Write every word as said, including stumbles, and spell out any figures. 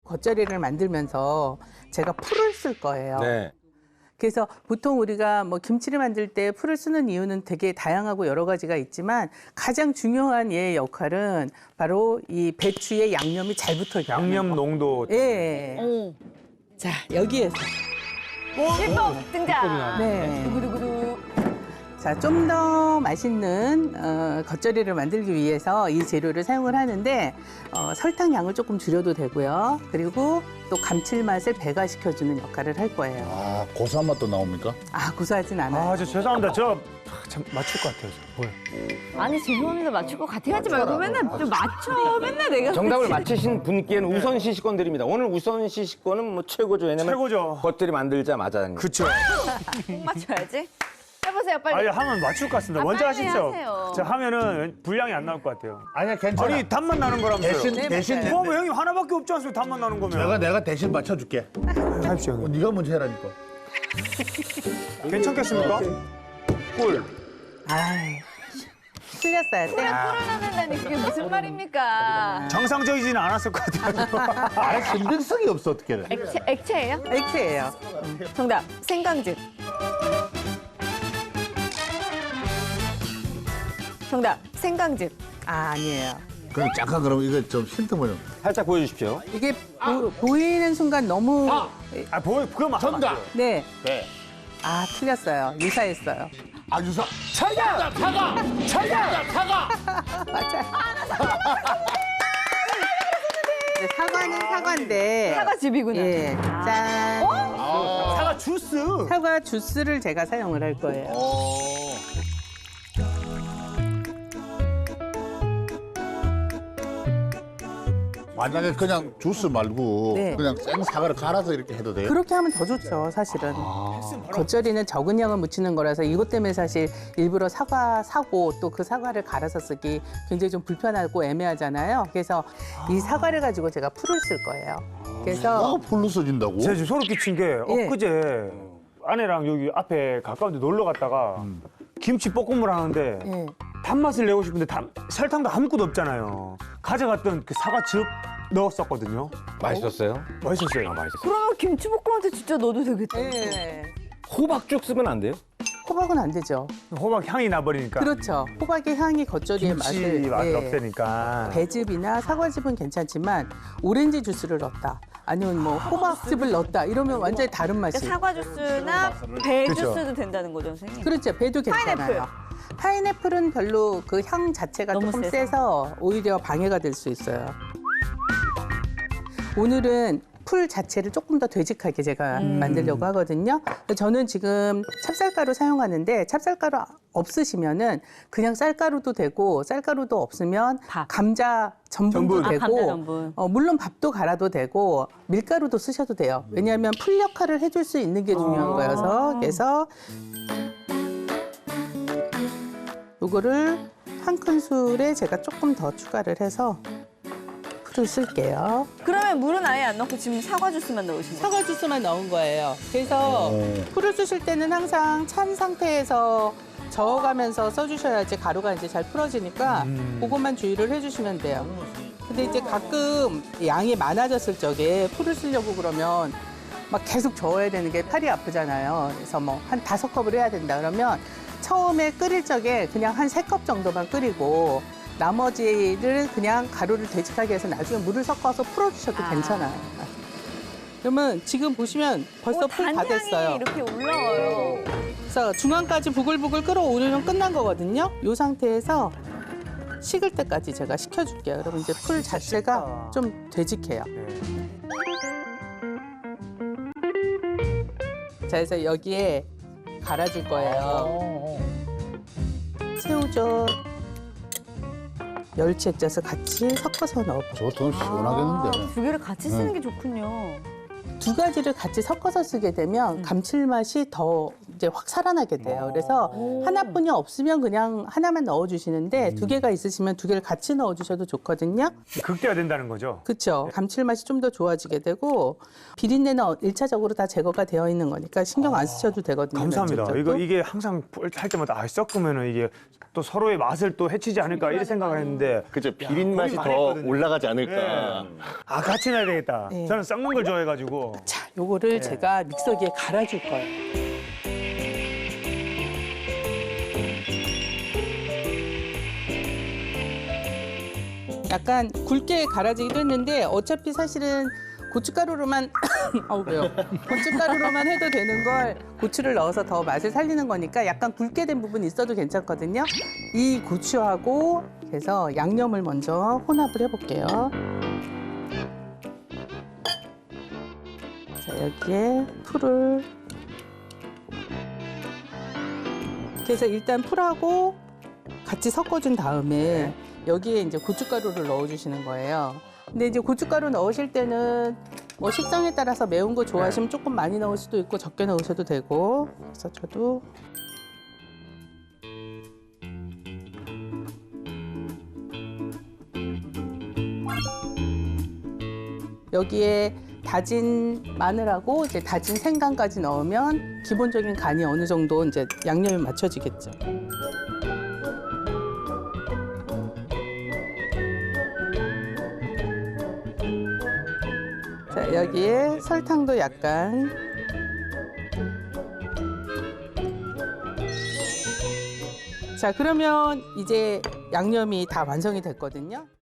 겉절이를 만들면서 제가 풀을 쓸 거예요. 네. 그래서 보통 우리가 뭐 김치를 만들 때 풀을 쓰는 이유는 되게 다양하고 여러 가지가 있지만 가장 중요한 얘의 역할은 바로 이 배추의 양념이 잘 붙어 있는 양념 거. 농도. 예. 오. 자, 여기에서 실법 등장. 네. 두구두구두. 자, 좀 더 맛있는 어, 겉절이를 만들기 위해서 이 재료를 사용을 하는데 어, 설탕 양을 조금 줄여도 되고요. 그리고 또 감칠맛을 배가시켜주는 역할을 할 거예요. 아, 고소한 맛도 나옵니까? 아, 고소하진 않아요. 아, 저 죄송합니다. 저 참 맞출 것 같아요. 저. 뭐야? 아니 죄송합니다. 맞출 것 같아 하지 말고 맨날 좀 맞춰. 맨날 내가 정답을 그렇지. 맞히신 분께는 우선 시식권 드립니다. 오늘 우선 시식권은 뭐 최고죠. 왜냐면 최고죠. 겉들이 만들자마자. 그쵸. 꼭 맞춰야지. 해보세요 빨리. 아니, 하면 맞출 것 같습니다. 아, 먼저 빨리 하시죠. 하세요. 저 하면은 분량이 안 나올 것 같아요. 아니야, 괜찮아. 아니, 단맛 나는 거라면서요. 대신, 네, 대신 맞아요. 뭐, 뭐 형님 하나밖에 없지 않습니까? 단맛 나는 거면. 내가, 내가 대신 맞춰줄게. 하십시오, 어, 형님. 네가 먼저 해라니까. 괜찮겠습니까? 꿀. 아이, 틀렸어요. 땡. 풀을 넣는다니 그게 무슨 말입니까? 정상적이지는 않았을 것 같아요. 아, 신빙성이 없어, 어떻게 해. 액체, 액체예요? X예요. 정답. 생강즙. 정답. 생강즙. 아, 아니에요. 그럼 잠깐 그럼 이거 좀 힌트 뭐냐. 살짝 보여주십시오. 이게 보, 보이는 순간 너무 아, 보, 그거 막. 정답! 네. 네. 아, 틀렸어요. 유사했어요. 아, 유사. 차가! 차가! 차가! 차가! 맞아요. 네, 사과는 사과인데. 사과즙이구나. 예. 짠. 차가 주스! 사과 주스를 제가 사용을 할 거예요. 어. 만약에 그냥 주스 말고 네. 그냥 생 사과를 갈아서 이렇게 해도 돼요? 그렇게 하면 더 좋죠, 사실은. 겉절이는 적은 양을 묻히는 거라서 이것 때문에 사실 일부러 사과 사고 또 그 사과를 갈아서 쓰기 굉장히 좀 불편하고 애매하잖아요. 그래서 이 사과를 가지고 제가 풀을 쓸 거예요. 그래서 아, 풀로 써진다고? 제가 지금 소름 끼친 게 예. 엊그제 아내랑 여기 앞에 가까운 데 놀러 갔다가 김치 볶음을 하는데 예. 단맛을 내고 싶은데 단, 설탕도 아무것도 없잖아요. 가져갔던 그 사과즙 넣었었거든요. 맛있었어요? 맛있었어요. 아, 맛있었어요. 그러면 김치볶음한테 진짜 넣어도 되겠다. 예. 호박죽 쓰면 안 돼요? 호박은 안 되죠. 호박 향이 나버리니까. 그렇죠. 호박의 향이 겉절이의 김치 맛을 맛이 예. 없으니까. 배즙이나 사과즙은 괜찮지만 오렌지 주스를 넣었다. 아니면 뭐 호박즙을 넣었다. 이러면 완전히 다른 맛이. 그러니까 사과 주스나 배 그렇죠. 주스도 된다는 거죠, 선생님? 그렇죠. 배도 괜찮아요. 파인애플. 파인애플은 별로 그 향 자체가 너무 조금 세서. 세서 오히려 방해가 될 수 있어요. 오늘은 풀 자체를 조금 더 되직하게 제가 음. 만들려고 하거든요. 저는 지금 찹쌀가루 사용하는데 찹쌀가루 없으시면은 그냥 쌀가루도 되고 쌀가루도 없으면 밥. 감자 전분도 전분. 아, 되고 감자 전분. 어, 물론 밥도 갈아도 되고 밀가루도 쓰셔도 돼요. 왜냐하면 풀 역할을 해줄 수 있는 게 중요한 거여서 그래서 요거를 한 큰술에 제가 조금 더 추가를 해서 풀을 쓸게요. 그러면 물은 아예 안 넣고 지금 사과 주스만 넣으신 거예요? 사과 주스만 넣은 거예요. 그래서 풀을 쓰실 때는 항상 찬 상태에서 저어가면서 써주셔야지 가루가 이제 잘 풀어지니까 그것만 주의를 해주시면 돼요. 근데 이제 가끔 양이 많아졌을 적에 풀을 쓰려고 그러면 막 계속 저어야 되는 게 팔이 아프잖아요. 그래서 뭐 한 다섯 컵을 해야 된다 그러면 처음에 끓일 적에 그냥 한 세 컵 정도만 끓이고 나머지를 그냥 가루를 되직하게 해서 나중에 물을 섞어서 풀어주셔도 아. 괜찮아요. 그러면 지금 보시면 벌써 오, 풀 다 단향이 됐어요. 이렇게 올라와요. 그래서 중앙까지 부글부글 끓어오르면 끝난 거거든요. 이 상태에서 식을 때까지 제가 식혀줄게요. 여러분 이제 풀 자체가 좀 되직해요. 자, 그래서 여기에 갈아줄 거예요. 새우젓, 멸치 액젓을 같이 섞어서 넣어요. 저거 더 시원하겠는데. 아, 두 개를 같이 쓰는 게 좋군요. 두 가지를 같이 섞어서 쓰게 되면 감칠맛이 더 이제 확 살아나게 돼요. 그래서 하나뿐이 없으면 그냥 하나만 넣어주시는데 두 개가 있으시면 두 개를 같이 넣어주셔도 좋거든요. 극대화된다는 거죠. 그렇죠. 감칠맛이 좀 더 좋아지게 되고 비린내는 일차적으로 다 제거가 되어 있는 거니까 신경 안 쓰셔도 되거든요. 감사합니다. 면접도. 이거 이게 항상 할 때마다 아, 섞으면은 이게 또 서로의 맛을 또 해치지 않을까 이런 생각을 했는데 그죠. 비린 맛이 많이 더 했거든요. 올라가지 않을까. 아 같이 넣어야 되겠다. 네. 저는 섞는 걸 좋아해가지고. 자, 요거를 제가 믹서기에 갈아줄 거예요. 약간 굵게 갈아지기도 했는데 어차피 사실은 고춧가루로만 아우 왜요? 고춧가루로만 해도 되는 걸 고추를 넣어서 더 맛을 살리는 거니까 약간 굵게 된 부분이 있어도 괜찮거든요. 이 고추하고 그래서 양념을 먼저 혼합을 해볼게요. 자, 여기에 풀을 그래서 일단 풀하고 같이 섞어준 다음에 여기에 이제 고춧가루를 넣어주시는 거예요. 근데 이제 고춧가루 넣으실 때는 뭐 식성에 따라서 매운 거 좋아하시면 조금 많이 넣을 수도 있고 적게 넣으셔도 되고. 그래서 저도 여기에 다진 마늘하고 이제 다진 생강까지 넣으면 기본적인 간이 어느 정도 이제 양념이 맞춰지겠죠. 자, 여기에 설탕도 약간. 자, 그러면 이제 양념이 다 완성이 됐거든요.